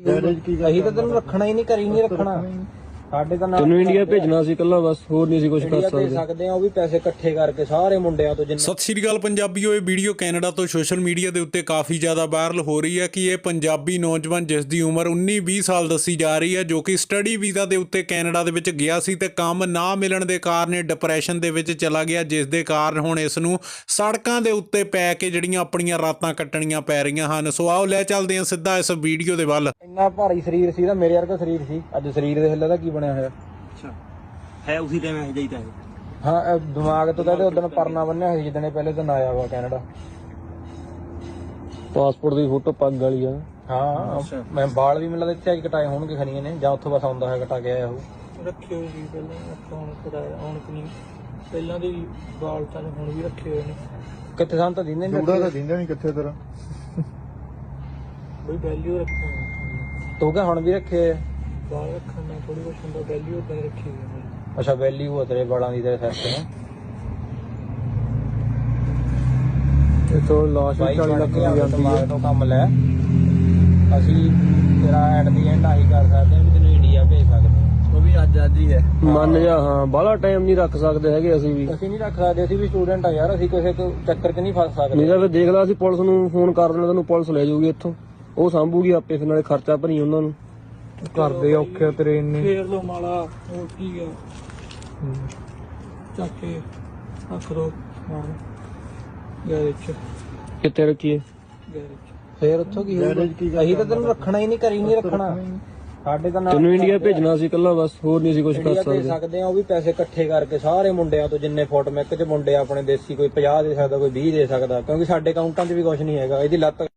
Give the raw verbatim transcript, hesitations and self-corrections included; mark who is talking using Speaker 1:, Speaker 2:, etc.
Speaker 1: ਅਸੀਂ ਤਾਂ ਤੈਨੂੰ ਰੱਖਣਾ ਹੀ ਨਹੀਂ, ਘਰੀ ਨਹੀਂ ਰੱਖਣਾ। ਸਾਡੇ ਤਾਂ
Speaker 2: ਤੈਨੂੰ ਇੰਡੀਆ ਭੇਜਣਾ ਸੀ ਕੱਲਾ, ਬਸ ਹੋਰ ਨਹੀਂ ਸੀ ਕੁਝ ਕਰ
Speaker 1: ਸਕਦੇ ਸਕਦੇ ਆ। ਉਹ ਵੀ ਪੈਸੇ ਇਕੱਠੇ ਕਰਕੇ ਸਾਰੇ ਮੁੰਡਿਆਂ ਤੋਂ ਜਿੰਨੇ।
Speaker 3: ਸਤਿ ਸ਼੍ਰੀ ਅਕਾਲ ਪੰਜਾਬੀਓ, ਇਹ ਵੀਡੀਓ ਕੈਨੇਡਾ ਤੋਂ ਸੋਸ਼ਲ ਮੀਡੀਆ ਦੇ ਉੱਤੇ ਕਾਫੀ ਜ਼ਿਆਦਾ ਵਾਇਰਲ ਹੋ ਰਹੀ ਹੈ ਕਿ ਇਹ ਪੰਜਾਬੀ ਨੌਜਵਾਨ ਜਿਸ ਦੀ ਉਮਰ ਉੱਨੀ ਵੀਹ ਸਾਲ ਦੱਸੀ ਜਾ ਰਹੀ ਹੈ, ਜੋ ਕਿ ਸਟੱਡੀ ਵੀਜ਼ਾ ਦੇ ਉੱਤੇ ਕੈਨੇਡਾ ਦੇ ਵਿੱਚ ਗਿਆ ਸੀ ਤੇ ਕੰਮ ਨਾ ਮਿਲਣ ਦੇ ਕਾਰਨ ਡਿਪਰੈਸ਼ਨ ਦੇ ਵਿੱਚ ਚਲਾ ਗਿਆ, ਜਿਸ ਦੇ ਕਾਰਨ ਹੁਣ ਇਸ ਨੂੰ ਸੜਕਾਂ ਦੇ ਉੱਤੇ ਪੈ ਕੇ ਜਿਹੜੀਆਂ ਆਪਣੀਆਂ ਰਾਤਾਂ ਕੱਟਣੀਆਂ ਪੈ ਰਹੀਆਂ ਹਨ। ਸੋ ਆਓ ਲੈ ਚੱਲਦੇ ਹਾਂ ਸਿੱਧਾ ਇਸ ਵੀਡੀਓ ਦੇ ਵੱਲ।
Speaker 1: ਇੰਨਾ ਭਾਰੀ ਸਰੀਰ ਸੀ ਤਾਂ ਮੇਰੇ ਵਰਗਾ ਸਰੀਰ ਸੀ, ਅੱਜ ਸਰੀਰ ਦੇ ਹਿੱਲੇ ਦਾ ਕੀ ਬਣਿਆ ਹੋਇਆ।
Speaker 4: ਅੱਛਾ ਹੈ ਉਸੇ ਟਾਈਮ ਇਹ ਜਾਈਦਾ ਹੈ।
Speaker 1: ਹਾਂ ਇਹ ਦਿਮਾਗ ਤੋਂ ਤਾਂ ਉਦੋਂ ਪਰਨਾ ਬੰਨਿਆ ਹੋਇਆ ਸੀ ਜਿੱਦਣੇ ਪਹਿਲੇ ਦਿਨ ਆਇਆ ਵਾ ਕੈਨੇਡਾ।
Speaker 2: ਪਾਸਪੋਰਟ ਦੀ ਫੋਟੋ ਪੱਗ ਵਾਲੀ ਆ।
Speaker 1: ਹਾਂ ਮੈਂ ਬਾਲ ਵੀ ਮਿਲਦਾ ਇੱਥੇ ਕਟਾਏ ਹੋਣਗੇ ਖਣੀਆਂ ਨੇ, ਜਾਂ ਉੱਥੋਂ ਬਸ ਆਉਂਦਾ ਹੈ ਕਟਾ ਕੇ ਆਇਆ ਉਹ।
Speaker 5: ਰੱਖੇ ਹੋਏ ਸੀ ਪਹਿਲਾਂ, ਆਪਾਂ ਹੁਣ ਕਰਾਇਆ ਹੁਣ ਕਿ ਨਹੀਂ ਪਹਿਲਾਂ ਦੇ ਵਾਲ ਤਾਂ ਹੁਣ ਵੀ ਰੱਖੇ ਹੋਏ ਨੇ।
Speaker 1: ਕਿੱਥੇ ਸਾਨੂੰ ਤਾਂ ਦਿੰਦੇ ਨਹੀਂ,
Speaker 6: ਜੂੜਾ ਤਾਂ ਦਿੰਦਾ ਨਹੀਂ ਕਿੱਥੇ ਤੇਰਾ
Speaker 5: ਬਈ ਵੈਲਿਊ ਰੱਖੇ ਹੋਏ
Speaker 1: ਤੂੰ ਕਿਹਾ ਹੁਣ ਵੀ ਰੱਖੇ ਆ?
Speaker 5: ਵਾਲ ਰੱਖਣ ਨਾਲ ਥੋੜੀ ਕੁਛ ਹੁੰਦਾ, ਵੈਲਿਊ ਤਾਂ ਰੱਖੀ ਹੋਈ ਹੈ ਮੇਰੀ।
Speaker 1: ਅੱਛਾ ਵੈਲਿਊ ਆ ਤੇਰੇ ਵਾਲਾਂ ਦੀ ਤੇਰੇ ਸਿਰ ਤੇ ਹੈ।
Speaker 2: ਇਹ ਤੋਂ ਲਾਸ਼ ਵੀ
Speaker 1: ਬਾਈ
Speaker 2: ਚਾਲੀ ਲੱਖ ਦੀ ਜਾਂਦੀ ਹੈ।
Speaker 1: ਦਿਮਾਗ ਤੋਂ ਕੰਮ ਲੈ, ਅਸੀਂ ਤੇਰਾ ਐਟ ਦੀ ਐਂਡ ਆਹੀ ਕਰ ਸਕਦੇ ਹਾਂ ਵੀ ਤੈਨੂੰ ਇੰਡੀਆ ਭੇਜ ਸਕਦੇ ਹਾਂ।
Speaker 5: ਉਹ ਵੀ ਅੱਜ ਅੱਜ ਹੀ ਹੈ।
Speaker 2: ਮੰਨ ਜਾ, ਹਾਂ ਬਾਹਲਾ ਟਾਈਮ ਨਹੀਂ ਰੱਖ ਸਕਦੇ ਹੈਗੇ ਅਸੀਂ ਵੀ।
Speaker 1: ਅਸੀਂ ਨਹੀਂ ਰੱਖ ਸਕਦੇ, ਅਸੀਂ ਵੀ ਸਟੂਡੈਂਟ ਆ ਯਾਰ, ਅਸੀਂ ਕਿਸੇ ਕੋ ਚੱਕਰ 'ਚ ਨਹੀਂ ਫਸ ਸਕਦੇ।
Speaker 2: ਨਹੀਂ ਤਾਂ ਫਿਰ ਦੇਖ ਲਾ, ਅਸੀਂ ਪੁਲਿਸ ਨੂੰ ਫੋਨ ਕਰ ਦੇਣਾ, ਤੈਨੂੰ ਪੁਲਿਸ ਲੈ ਜਾਊਗੀ ਇੱਥੋਂ, ਉਹ ਸਾਂਭੂਗੀ ਆਪੇ, ਫਿਰ ਨਾਲੇ ਖਰਚਾ ਭਰੀ ਉਹਨਾਂ ਨੂੰ।
Speaker 5: ਕਰਦੇ ਔਖੇ ਤੇਰੇ ਇੰਨੇ ਫੇਰ ਲੋ ਮਾਲਾ ਹੋਰ ਕੀ ਆ ਚੱਕ ਕੇ ਰੱਖ ਦੋ ਸਮਾਨ ਗੈਰੇਜ ਚ।
Speaker 2: ਕਿੱਥੇ ਰੱਖੀਏ?
Speaker 5: ਗੈਰੇਜ
Speaker 1: ਫੇਰ ਉੱਥੋਂ ਕੀ ਹੋਊਗਾ? ਅਸੀਂ ਤਾਂ ਤੈਨੂੰ ਰੱਖਣਾ ਹੀ ਨਹੀਂ, ਘਰੀ ਨਹੀਂ ਰੱਖਣਾ। ਸਾਡੇ ਤਾਂ
Speaker 2: ਤੈਨੂੰ ਇੰਡੀਆ ਭੇਜਣਾ ਸੀ ਕੱਲਾ, ਬਸ ਹੋਰ ਨਹੀਂ ਸੀ ਕੁਝ ਕਰ
Speaker 1: ਭੇਜ
Speaker 2: ਸਕਦੇ।
Speaker 1: ਸਕਦੇ ਆ। ਉਹ ਵੀ ਪੈਸੇ ਇਕੱਠੇ ਕਰਕੇ ਸਾਰੇ ਮੁੰਡਿਆਂ ਤੋਂ, ਜਿੰਨੇ ਫੋਟੋ ਮੈਕ ਚ ਮੁੰਡੇ ਆਪਣੇ ਦੇਸੀ, ਕੋਈ ਪੰਜਾਹ ਦੇ ਸਕਦਾ, ਕੋਈ ਵੀਹ ਦੇ ਸਕਦਾ, ਕਿਉਂਕਿ ਸਾਡੇ ਅਕਾਊਂਟਾਂ 'ਚ ਵੀ ਕੁਝ ਨਹੀਂ ਹੈਗਾ। ਇਹਦੀ ਲੱਤ